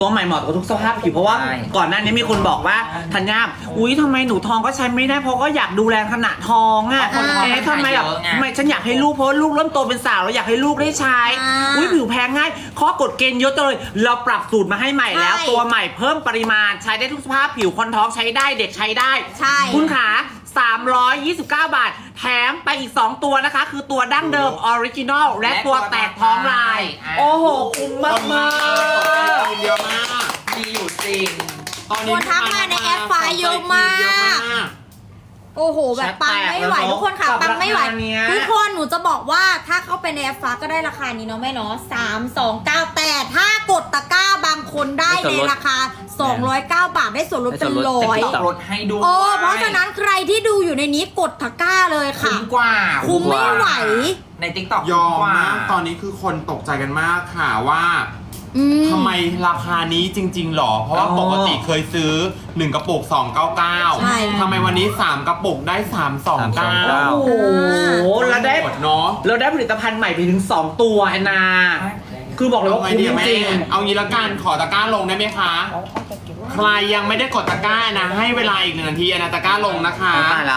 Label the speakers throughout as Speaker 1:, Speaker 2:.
Speaker 1: ตัวใหม่เหมาะกับทุกสภาพผิวเพราะว่าก่อนหน้านี้มีคนบอกว่าธัญญาอุ๊ยทำไมหนูท้องก็ใช้ไม่ได้เพราะก็อยากดูแลขณะท้องอ่ะทำไมแบบไม่ฉันอยากให้ลูกเพราะลูกเริ่มโตเป็นสาวแล้วอยากให้ลูกได้ใช้อุ๊ยผิวแพ้ง่ายข้อกฎเกณฑ์เยอะเลยเราปรับสูตรมาให้ใหม่แล้วตัวใหม่เพิ่มปริมาณใช้ได้ทุกสภาพผิวคนท้องใช้ได้เด็กใช้ได้คุณขา329 บาทแถมไปอีก2ตัวนะคะคือตัวดั้งเดิมออริจินอลและตัวแตกท้องลายโอ้โหคุ้มมากมาก
Speaker 2: เยอะมาก
Speaker 3: มีอยู่จริง
Speaker 2: ตอนนี้
Speaker 4: ทักมาในแอปไฟเยอะมากโอ้โหแบบปังไม่ไหวทุกคนค่ะปังไม่ไหวทุกคนหนูจะบอกว่าถ้าเข้าไปในแอปฟ้าก็ได้ราคานี้เนาะแม่เนาะ329แต่ถ้ากดตะกร้าบางคนได้ในราคา209 บาทได้ส่วนลดเป็น100
Speaker 3: ลดให้ดู
Speaker 4: เพราะฉะนั้นใครที่ดูอยู่ในนี้กดตะกร้าเลยค่ะ
Speaker 3: คุ้มกว่า
Speaker 4: คุ้มไม่ไหว
Speaker 3: ใน TikTok
Speaker 2: ยอมมากตอนนี้คือคนตกใจกันมากค่ะว่าทำไมราคานี้จริงๆหรอเพราะว่าปกติเคยซื้อ1กระปุก299ทำไมวันนี้3กระปุกได้329
Speaker 1: โอ้โหแล้วได้
Speaker 2: เนาะ
Speaker 1: เราได้ผลิตภัณฑ์ใหม่ไปถึง2ตัวแอนนาคือบอกเลยว่าคุ้มจริง
Speaker 2: เอางี้ละกันขอตะกร้าลงได้ไหมคะใครยังไม่ได้กดตะกร้านะให้เวลาอีก1 นาทีนะตะกร้าลงนะคะ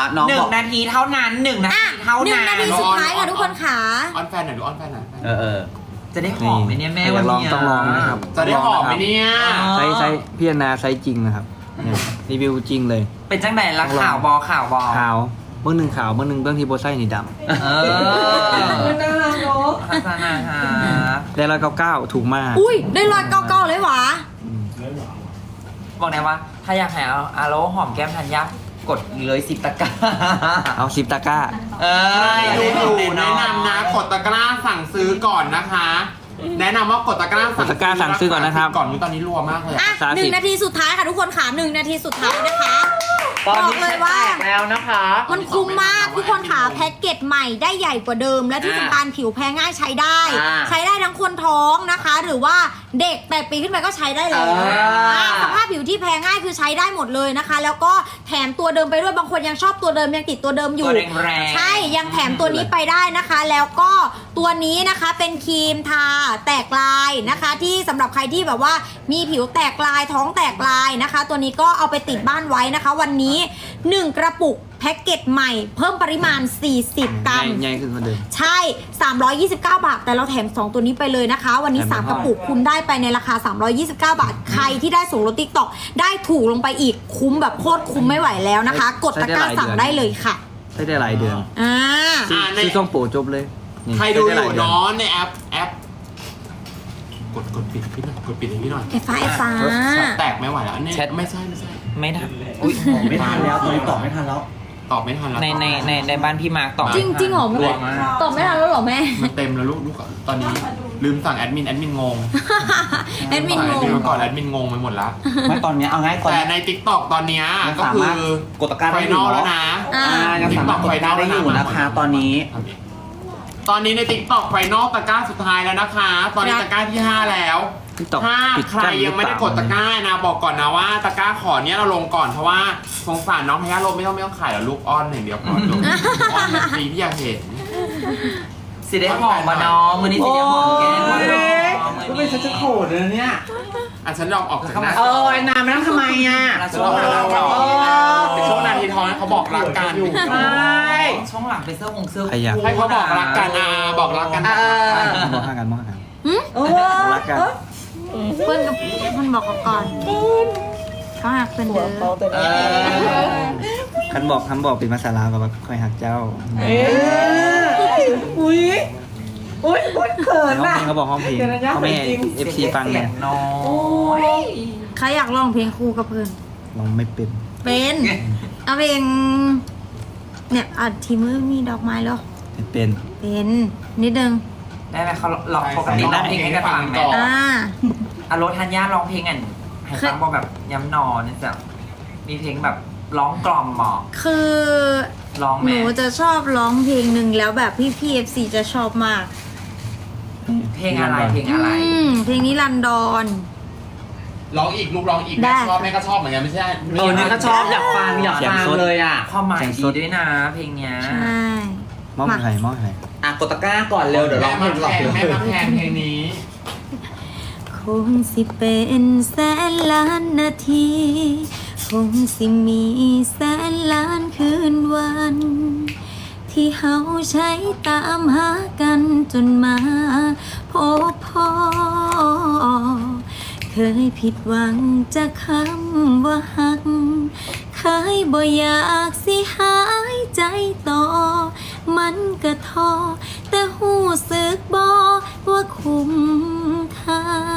Speaker 3: 1 นาทีเท่านั้น1 นาทีเท่านั้น
Speaker 4: 1 นาทีสุดท้ายค่ะทุกคนค่ะ
Speaker 2: ออนแฟนหน่อยดูออนแฟนหน่อย
Speaker 3: จะได้หอมไหมเนี่ยแม่วันนี้
Speaker 5: ต้องลองนะครับ
Speaker 2: จะได้หอมไหมเนี่ย
Speaker 5: ใช้พี่นาใช้จริงนะครับรีวิวจริงเลย
Speaker 3: เป็นจังไหนละข่าวบอขาว
Speaker 5: เมื่อหนึ่งขาวเมื่อหนึ่งเบื้องที่โบไซนี่ดำ
Speaker 3: น่ารักเนาะ
Speaker 5: ได้199ถูกมาก
Speaker 4: อุ้ยได้199เลยวะ
Speaker 3: บอกไงว่าถ้าอยากหาอาโลหอมแก้มธัญญากดเลย10 ตะกร้า
Speaker 5: เอา10 ตะกร้า
Speaker 2: ดูอยู่แนะนำนะกดตะกร้าสั่งซื้อก่อนนะคะแนะนำว่ากดตะกร้า
Speaker 5: สั่งซื้อก่อนนะครับ
Speaker 2: ก่อนตอนนี้รัวมากเลย
Speaker 4: 1 นาทีสุดท้ายค่ะทุกคนค่ะ1 นาทีสุดท้ายนะคะ
Speaker 1: บอกเลยว่าแล้วนะคะ
Speaker 4: มันคุ้มมากทุกคนค่ะแพ็กเกจใหม่ได้ใหญ่กว่าเดิมและที่สำคัญผิวแพ้ง่ายใช้ได้ทั้งคนท้องนะคะหรือว่าเด็ก8 ปีขึ้นไปก็ใช้ได้เลยสภาพผิวที่แพ้ง่ายคือใช้ได้หมดเลยนะคะแล้วก็แถมตัวเดิมไปด้วยบางคนยังชอบตัวเดิมยังติดตัวเดิมอยู่ใช่ยังแถมตัวนี้ไปได้นะคะแล้วก็ตัวนี้นะคะเป็นครีมทาแตกลายนะคะที่สำหรับใครที่แบบว่ามีผิวแตกลายท้องแตกลายนะคะตัวนี้ก็เอาไปติดบ้านไว้นะคะวันนี้1 กระปุกแพ็กเกจใหม่เพิ่มปริมาณ40 กรัม
Speaker 5: ใหญ่ขึ้นกว่าเดิม
Speaker 4: ใช่329 บาทแต่เราแถม2ตัวนี้ไปเลยนะคะวันนี้3 กระปุกคุณได้ไปในราคา329 บาทใครที่ได้ส่งลด TikTok ได้ถูกลงไปอีกคุ้มแบบโคตรคุ้มไม่ไหวแล้วนะคะกดตะกร้าสั่งได้เลยค่ะ
Speaker 5: ได้หลายเดือนซื้อช่องโปรจบเลย
Speaker 2: ใครดูอยู่เนาะในแอปกดปิดพี่หน่อยกดปิดให้พี่หน่อย
Speaker 4: ไอ้ฟ้า
Speaker 2: แตกไม่ไหวแล้วเนี่ยไม่ใช่
Speaker 3: ไม่ทัน
Speaker 1: ไม่ทันแล้วตอนนี้ตอบไม่ทันแล้ว
Speaker 3: ในบ้านพี่มาร์กตอบ
Speaker 4: จริงเหรอตอบไม่ทันแล้วหรอแม่
Speaker 2: มันเต็มแล้วลูกตอนนี้ลืมสั่งแอดมินงง
Speaker 4: แอดมินงง
Speaker 2: ก่อนแอดมินงงไปหมดแล้ว
Speaker 1: ไม่ตอนนี้เอาง่ายก่อน
Speaker 2: แต่ใน TikTok ตอนนี้ก็คือก
Speaker 1: ดตะกร้า
Speaker 2: ไฟนอลแล้วนะ
Speaker 1: ยังสามารถกดตะกร้าได้อยู่นะคะตอนนี้
Speaker 2: ใน TikTok ไฟนอลตะกร้าสุดท้ายแล้วนะคะตอนนี้ตะกร้าที่5แล้วถ้าใครยังไม่ได้กดตะกร้านะบอกก่อนนะว่าตะกร้าขอเนี้ยเราลงก่อนเพราะว่าสงสารน้องพยาโลไม่ต้องขายแล้วลูกอ้อนอย่างเดียวพอลูกอ้อนแบบนี้พี่อยากเห็น
Speaker 3: สิได้หอมมาน้องมือนี้สิได้หอมแก้ม
Speaker 1: ก็เป็นฉันจะโขดเลยเนี่ย
Speaker 2: ฉันลองออกจากหน้า
Speaker 1: ไอ้นานไม่ต้องทำไม
Speaker 2: ช่วงหลังช่วงนาทีทองเขาบอกรักกัน
Speaker 1: ใช่
Speaker 3: ช่วงหลังเป็นเสื้อ
Speaker 2: ให้เขาบอกรักกันบอกรักกัน
Speaker 5: มองหากัน
Speaker 4: รักกันเพื่อนบอกก่อนเขาหักเป็นเด้อ
Speaker 5: คันบอกเป็นภาษาลาวกับคอยหักเจ้า
Speaker 1: อุ้ยเขินนะ
Speaker 5: เขาบอกห้องเพลงเขาไม่FC ฟังเนี่ย
Speaker 4: ใครอยากร้องเพลงคู่กับเพื่อน
Speaker 5: ร้องไม่เป็น
Speaker 4: เอาเพลงเนี่ยทีมือมีดอกไม้เหรอ
Speaker 5: เป็น
Speaker 4: นิดนึง
Speaker 3: ได้ไหมเขาร้องปกติร้องเพลงให้กันฟังก่อนอารมณ์ธัญญาร้องเพลงให้ฟังบอกแบบย้ำนอนนี่จะมีเพลงแบบร้องกล่อมหมอ
Speaker 4: คือ
Speaker 3: ร้อง
Speaker 4: หนูจะชอบร้องเพลงหนึ่งแล้วแบบพี่ FC จะชอบมาก
Speaker 3: เพลงอะไรเพลง
Speaker 4: นี้รันดอน
Speaker 2: ร้องอีกลูกร้องอีกแม่ก็ชอบเหมือนกันไม่ใช่
Speaker 1: นี่ก็ชอบอยากฟังเลย
Speaker 3: ความหมายดีด้วยนะเพลงเนี้ย
Speaker 4: ใช่
Speaker 5: มอบใคร
Speaker 1: กดตะกร้าก่อนเร็วเดี๋ยวร้องเพลงหลอก
Speaker 2: แม่มาแพงเพลงนี้
Speaker 4: ขงสิเป็นแสนล้านนาที คงสิมีแสนล้านคืนวัน ที่เฮาใช้ตามหากันจนมาพบพ่อ เคยผิดหวังจากคำว่าหัก เคยบ่อยากสิหายใจต่อ มันก็ท้อแต่หูสึกบ่ว่าคุ้มค่า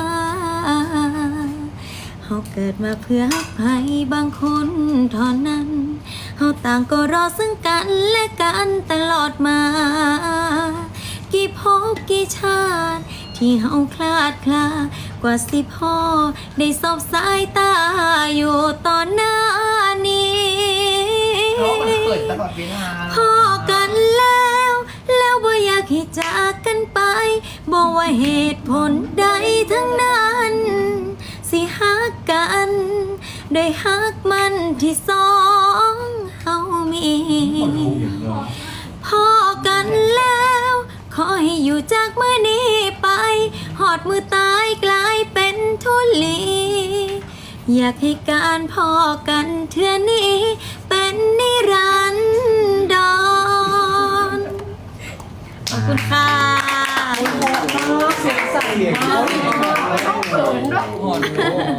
Speaker 4: เฮาเกิดมาเพื่อใครบางคนเท่านั้น เฮาต่างก็รอซึ่งกันและกันตลอดมา กี่ภพกี่ชาติ ที่เฮาคลาดคลากว่าสิพ่อได้สบสายตาอยู่ตอนหน้านี้
Speaker 3: เพราะมันเปิดตลอดเวลา
Speaker 4: พอกันแล้วบ่อยากให้จากกันไปบอกว่าเหตุผลใดทั้งนั้น สิฮักกันได้ฮักมันที่สองเฮามีพอกันแล้วขอให้อยู่จากมื้อนี้ไปหอดมือตายกลายเป็นทุลี อยากให้การพอกันเทื่อนี้เป็นนิรันดรขอบคุณค่ะ
Speaker 1: เสียงใสมาก
Speaker 3: โหดลูก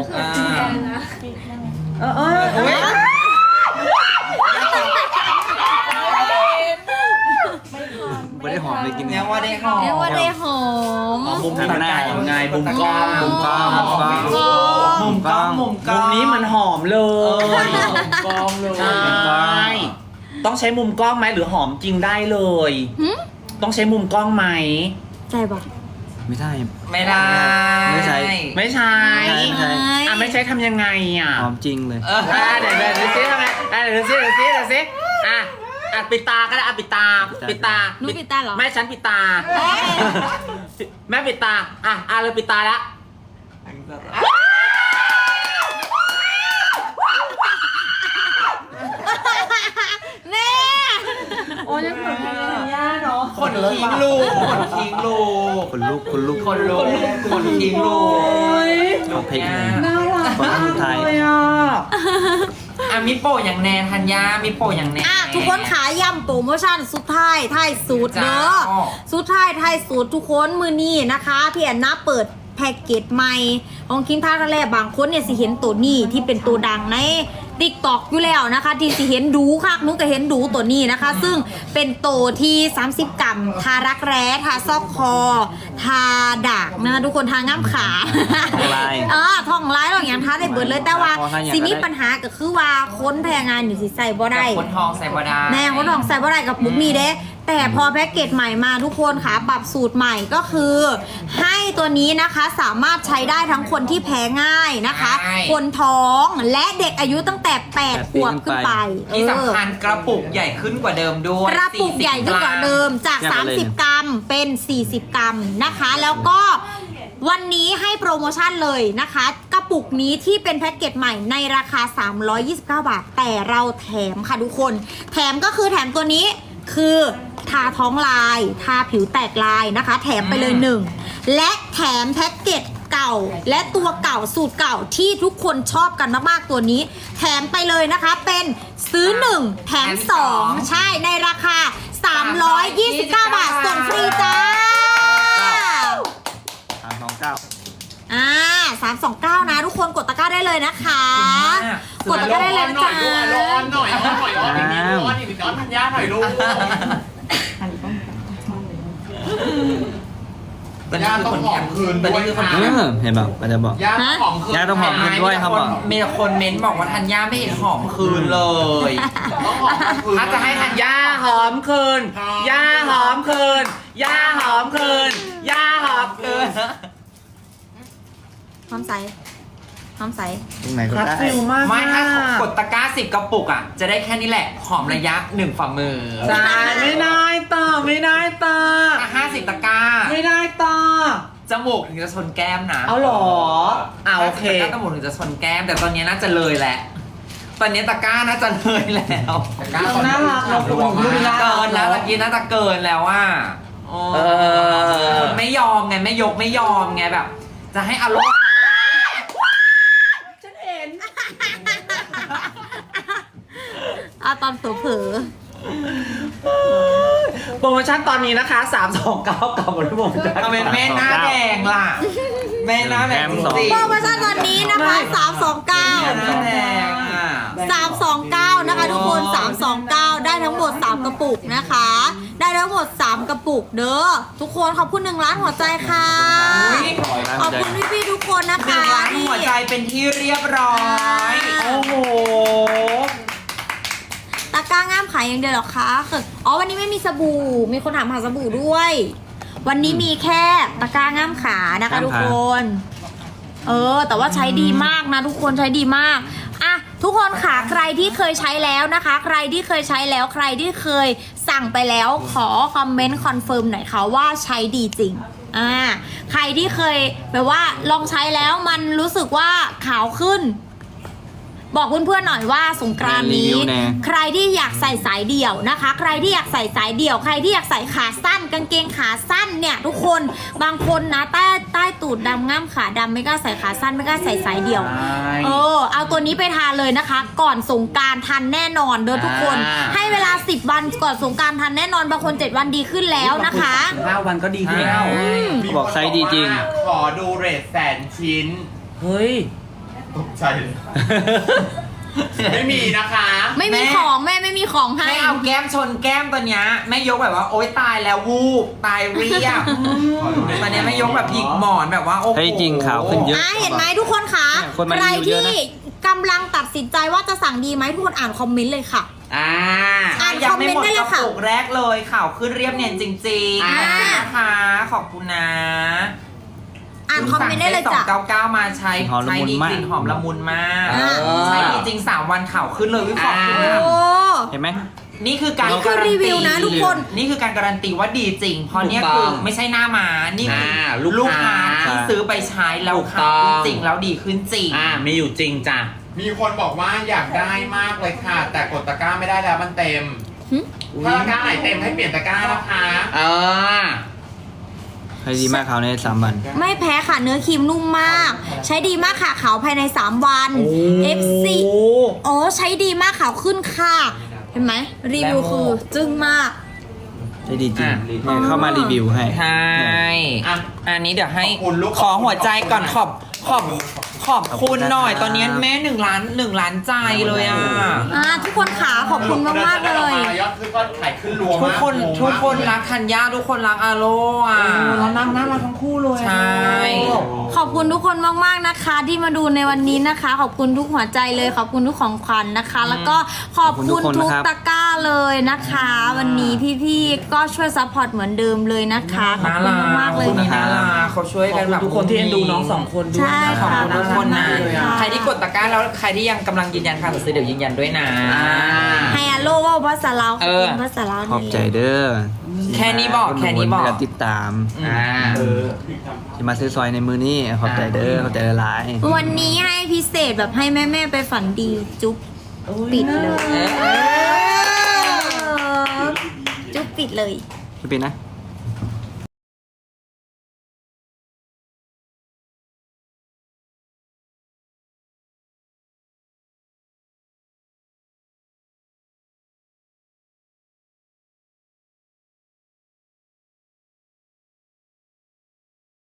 Speaker 5: ไม่ได้หอมเลยกิน
Speaker 3: ยังว่าได้หอม
Speaker 4: เรียกว่าได้หอม
Speaker 1: มุมทางหน้าไงมุมกล้องมุมกล้อง
Speaker 5: มุมกล้อง
Speaker 3: มุมกล้องมุมกล้
Speaker 1: มุ
Speaker 3: อง
Speaker 1: มนี้มันหอมเลย
Speaker 3: กล้องเลย
Speaker 1: ใช่ต้องใช้มุมกล้องไหมหรือหอมจริงได้เลย
Speaker 4: หึ
Speaker 1: ต้องใช้มุมกล้องไหม
Speaker 4: ใจบอก
Speaker 5: ไม่ได้
Speaker 3: ไม่ได้
Speaker 5: ไม่ใช่
Speaker 1: ไม่ใช่
Speaker 5: ไม่ใช่
Speaker 1: อ่ะไม่ใช่ทำยังไงอ่ะ
Speaker 5: หอมจริงเลย
Speaker 1: เดี๋ยวซิทำไมเดี๋ยวซิอ่ะปิดตาก็ได้ปิดตา
Speaker 4: หนูปิดตาเหรอ
Speaker 1: แม่ฉันปิดตา แม่ปิดตาเลยปิดตาแล้ว
Speaker 4: แม่
Speaker 1: โอ้ยเหมือนเป็นย่าเนาะ
Speaker 3: คนทิ้งลูกคนทิ้งลูก
Speaker 5: คนลุกคนลุก
Speaker 3: คนลูกคนทิ้งลูก
Speaker 5: หอมเพลงเลย
Speaker 1: น่ารัก
Speaker 5: คนสุดท้าย
Speaker 1: เลยอ่ะ
Speaker 3: อ่ะมิโปะอย่างแนนธัญญามิโปะอย่างแนน
Speaker 4: ทุกคนขายำโปรโมชั่นสุดท้ายท้ายสูตรเด้อ
Speaker 3: จ้า
Speaker 4: สุดท้ายท้ายสูตรทุกคนมือนี้นะคะพี่แอนนาเปิดแพ็กเกจใหม่ของคิงท่าทะเลบางคนเนี่ยสิเห็นตัวนี้ที่เป็นตัวดังในติ๊กตอกอยู่แล้วนะคะ ที่สิเห็นดูค่ะนุกก็เห็นดูตัวนี้นะคะ ซึ่งเป็นตัวที่30 กรัมทารักแร้ทาซอกคอ ทาดักนะคะทุกคนทาง่ามขา
Speaker 5: ทองลาย
Speaker 4: ทองลายหรอกอย่างทาได้เบิดเลยแต่ว่า
Speaker 5: ทาอย่าง
Speaker 4: สิมี
Speaker 5: ก็ได้
Speaker 4: ปัญหาก็คือว่าค้นแพงงานอยู่สิใส่บ่ได้
Speaker 3: คนทองใส่บดา
Speaker 4: แม่เขาลองใส่บ่ได้กับมุกนี้เด้แต่พอแพ็กเกจใหม่มาทุกคนค่ะปรับสูตรใหม่ก็คือ ให้ตัวนี้นะคะสามารถใช้ได้ทั้งคนที่แพ้ง่ายนะคะ คนท้องและเด็กอายุตั้งแต่8 ขวบขึ้นไป
Speaker 3: ที่สำคัญกระปุกใหญ่ขึ้นกว่าเดิมด้วย
Speaker 4: กระปุกใหญ่ขึ้นกว่าเดิมจาก
Speaker 5: เทียบกันเลย
Speaker 4: 30 กรัมเป็น 40 กรัมนะคะ แล้วก็วันนี้ให้โปรโมชั่นเลยนะคะ กระปุกนี้ที่เป็นแพ็กเกจใหม่ในราคา 329 บาท แต่เราแถมค่ะทุกคน แถมก็คือแถมตัวนี้คือทาท้องลายทาผิวแตกลายนะคะ แถมไปเลย1และแถมแพ็กเกจเก่าและตัวเก่าสูตรเก่าที่ทุกคนชอบกันมากๆตัวนี้ แถมไปเลยนะคะเป็นซื้อ1แถม2ใช่ในราคา 329 บาทส่งฟรีจ้า 329 นะทุกคนกดตะกร้าได้เลยนะคะ กดตะกร้าได้เลยนะจ๊ะ
Speaker 2: ร้อนหน่อยธัญญาหน่อยลูก
Speaker 3: ตอนนี้คือคนแถมคืนตอนนี้คือคนแถม
Speaker 5: เห็นป่ะมันจะบอก
Speaker 2: ย่าหอมคืน
Speaker 5: ย่าต้องหอมคืนด้วยครับ
Speaker 3: มีแต่คนเม้นบอกว่าธัญญาไม่เห็นหอมคืนเลย
Speaker 2: ต้องหอมคืน
Speaker 3: ถ้าจะให้ธัญญา
Speaker 1: ย่าหอมคืนย่าหอมคืนย่าหอมคืนย่าหอมคืน
Speaker 4: หอมใสหอมใส
Speaker 5: ตรงไหนก็
Speaker 1: คัด
Speaker 5: ได้
Speaker 1: ฟิลมาก
Speaker 3: ไม่ถ้ากดตะกร้า10 กระปุกอ่ะ จะได้แค่นี้แหละ หอมระยะ 1 ฝ่ามือ
Speaker 1: ใช่ไม่ได้ต่อไม่ได้ต่อ
Speaker 3: ถ้า50 ตะกร้า
Speaker 1: ไม่ได้ต่อ
Speaker 3: จมูกถึงจะชนแก้มนะ
Speaker 1: เอาเหรอโอเค
Speaker 3: 50 ตะกร้าจมูกถึงจะชนแก้ม แต่ตอนนี้น่าจะเลยแหละ ตอนนี้ตะกร้าน่าจะเลยแล้ว
Speaker 1: น่ารักเราคุณดูดีนะ
Speaker 3: เกินแล้วตะกี้น่าจะเกินแล้วว่า
Speaker 1: เออ
Speaker 3: คนไม่ยอมไงไม่ยกไม่ยอมไงแบบ จจะให้อารมณ์
Speaker 1: ฉันเห็น
Speaker 4: ตอนเผลอ
Speaker 1: โปรโมชั่นตอนนี้นะคะ 329กับหมดที่ผมจะ
Speaker 3: ทำไมแม่หน้าแดงล่ะแม่หน้าแดงจริง
Speaker 4: โปรโมชั่นตอนนี้นะคะ
Speaker 3: ๆหน้า
Speaker 4: 329
Speaker 3: แดงอ่ะ
Speaker 4: 329 นะคะทุกคน 329 ได้ทั้งหมด 3 กระปุกนะคะ ได้ทั้งหมด 3 กระปุกเด้อทุกคนขอบคุณ1 ล้านหัวใจค่ะ ขอบคุณพี่ๆทุกคนนะ
Speaker 3: หนึ่
Speaker 4: คะ
Speaker 3: งล้านหัวใจเป็นที่เรียบร้อย
Speaker 1: โอ้โห
Speaker 4: ตะกร้าง่ามขายอย่างเดียวเหรอคะอ๋อวันนี้ไม่มีสบู่มีคนถามหาสบู่ด้วย วันนี้มีแค่ตะกร้าง่ามขานะคะทุกคนแต่ว่าใช้ดีมากนะทุกคนใช้ดีมากอ่ะทุกคนค่ะใครที่เคยใช้แล้วนะคะ ใครที่เคยใช้แล้วใครที่เคยสั่งไปแล้วขอคอมเมนต์คอนเฟิร์มหน่อยค่ะว่าใช้ดีจริงใครที่เคยแบบว่าลองใช้แล้วมันรู้สึกว่าขาวขึ้น บอกเพื่อนๆหน่อยว่าสงกรานต์นี้ ใครที่อยากใส่สายเดี่ยวนะคะ ใครที่อยากใส่สายเดี่ยวใครที่อยากใส่ขาสั้นกางเกงขาสั้นเนี่ยทุกคนบางคนนะใต้ตูดดำง่ามขาดำไม่กล้าใส่ขาสั้นไม่กล้าใส่สายเดี่ยวเอาตัวนี้ไปทานเลยนะคะ ก่อนสงกรานต์ทันแน่นอนเด้อทุกคน ให้เวลา10 วันก่อนสงกรานต์ทันแน่นอนบางคน7 วันดีขึ้นแล้วนะคะ
Speaker 1: 5 วันก็ดีขึ้นแล้ว
Speaker 5: บอกไซส์ดีจริง
Speaker 2: ขอดูเรท100,000 ชิ้น
Speaker 1: เฮ้ย
Speaker 2: ตกใจเลยไม่มีนะคะ
Speaker 4: ไม่มีของแม่ไม่มีของให้
Speaker 3: ให้เอาแก้มชนแก้มตัวเนี้ยแม่ยกแบบว่าโอ๊ยตายแล้ววูบตายเรียบตอนเนี้ยแม่ยกแบบหยิกหมอนแบบว่าโอ้โห
Speaker 5: เฮ้ยจริงขาวขึ้นเยอะ
Speaker 4: เห็นไหมทุกคนคะ
Speaker 5: เนี่ยคนมา
Speaker 4: ใคร
Speaker 5: รีวิวเยอะ
Speaker 4: ที่
Speaker 5: นะ
Speaker 4: กำลังตัดสินใจว่าจะสั่งดีไหมทุกคนอ่านคอมเมนต์เลยค่ะ อ่าน
Speaker 3: ยัง
Speaker 4: คอม
Speaker 3: ไม่
Speaker 4: เมน
Speaker 3: หม
Speaker 4: ต์
Speaker 3: ด
Speaker 4: ได้
Speaker 3: ก
Speaker 4: เล
Speaker 3: ระ
Speaker 4: ยค่ะ
Speaker 3: ปุกแรกเลยข่าวขึ้นเรียบเนียนจริงๆนะคะขอบคุณนะ
Speaker 4: อ่านคอมเมนต์ได้เลยจ้ะ
Speaker 3: 299มาใช้
Speaker 5: หอมละ
Speaker 3: ใช้
Speaker 5: มุน
Speaker 3: ดี
Speaker 5: มาก
Speaker 3: กลิ่นหอมละมุนมาก
Speaker 4: อ่า
Speaker 3: ใช้ดีจริง3 วันข่าวขึ้นเลยวิขอบคุณ
Speaker 4: โอ้
Speaker 3: นะ
Speaker 5: เห็นไหม
Speaker 3: นี่คือการ
Speaker 4: นี่คือ
Speaker 3: การัน
Speaker 4: รีวิ
Speaker 3: ตี
Speaker 4: วนะทุกคน
Speaker 3: นี่คือการการันตีว่าดีจริง เพราะเนี่ย
Speaker 1: ถูกต้
Speaker 3: คือ องไม่ใช่หน้ามานี่คืออ
Speaker 1: ลูกค้า
Speaker 3: ที่ซื้อไปใช้แล้ว
Speaker 1: ถูก
Speaker 3: ขาวขึ้น
Speaker 1: ต้อง
Speaker 3: จริงแล้วดีขึ้นจริง
Speaker 1: มีอยู่จริงจ้ะ
Speaker 2: มีคนบอกว่าอยากได้มากเลยค่ะ แต่กดตะกร้าไม่ได้แล้วมันเต็ม ถ้าตะกร้าไหนเต็มให้เปลี่ยนตะกร้านะคะ
Speaker 5: ใช้ดีมากขาวใน3 วัน
Speaker 4: ไม่แพ้ค่ะเนื้อครีมนุ่มมาก ใช้ดีมากค่ะขาวภายใน3 วัน FC โอ้ใช้ดีมากขาวขึ้นค่ะ เห็นไหมรีวิวคือจึ้งมาก
Speaker 5: ใช้ดีจริงเนี่ยเข้ามารีวิวให้
Speaker 3: ใช่
Speaker 2: อ่ะ
Speaker 3: อันนี้เดี๋ยวให้
Speaker 2: ขอบคุณลูก
Speaker 3: ขอหัวใจก่อนขอบคุณหน่อย ตอนนี้แม่1 ล้านใจเลยอ่ะ
Speaker 4: ทุกคนขาขอบคุณมากๆเลย
Speaker 2: ยอดคือก็ขายขึ้นรัว
Speaker 3: ทุ
Speaker 2: มาก
Speaker 3: คนทุกคนรักธัญญาทุกคนรักอาโลอ่ะ
Speaker 1: แล้วนั่งน่ารักทั้งคู่เลย
Speaker 3: ใช่
Speaker 4: ขอบคุณทุกคนมากๆนะคะ ที่มาดูในวันนี้นะคะ ขอบคุณทุกหัวใจเลยขอบคุณทุกของขวัญนะคะ แล้วก็ขอบคุณ
Speaker 5: ขอบคุณทุ
Speaker 4: ทุ
Speaker 5: ก
Speaker 4: ก
Speaker 5: คนนะครับ
Speaker 4: ตะกร้าเลยนะคะ วันนี้พี่ๆก็ช่วยซัพพอร์ตเหมือนเดิมเลยนะคะขอบ
Speaker 3: น่า
Speaker 4: คุณ
Speaker 3: รัก
Speaker 4: มากๆเลย
Speaker 3: นี่น่ารักเขาช่วยกันแบบ
Speaker 1: ทุกคนที่เอ็นดูน้อง2 คนด้วย
Speaker 4: ใช่
Speaker 3: ขอบ
Speaker 4: ค่ะ
Speaker 3: คุณทุกคนนะ
Speaker 1: เลยอ่ะ
Speaker 3: ใครที่กดตะกร้าแล้วใครที่ยังกำลังยืนยันการสั่งซื้อเดี๋ยวยืนยันด้วยนะ
Speaker 4: ให้อาโลว่าภาษาลาวขอบคุณ
Speaker 3: เออ
Speaker 4: ภาษาลาว
Speaker 5: ขอบใจเด้อ
Speaker 3: แค่นี้บอกแค่นี้บอก
Speaker 5: การติดตาม
Speaker 2: เออ
Speaker 5: ที่มาซื้อซอยในมือนี่ขอบใจเด้อขอบใจหลาย
Speaker 4: วันนี้ให้พิเศษแบบให้แม่ๆไปฝันดีจุ๊บปิดเลย จุ๊บปิดเลย
Speaker 5: ๆพี่เป็นนะ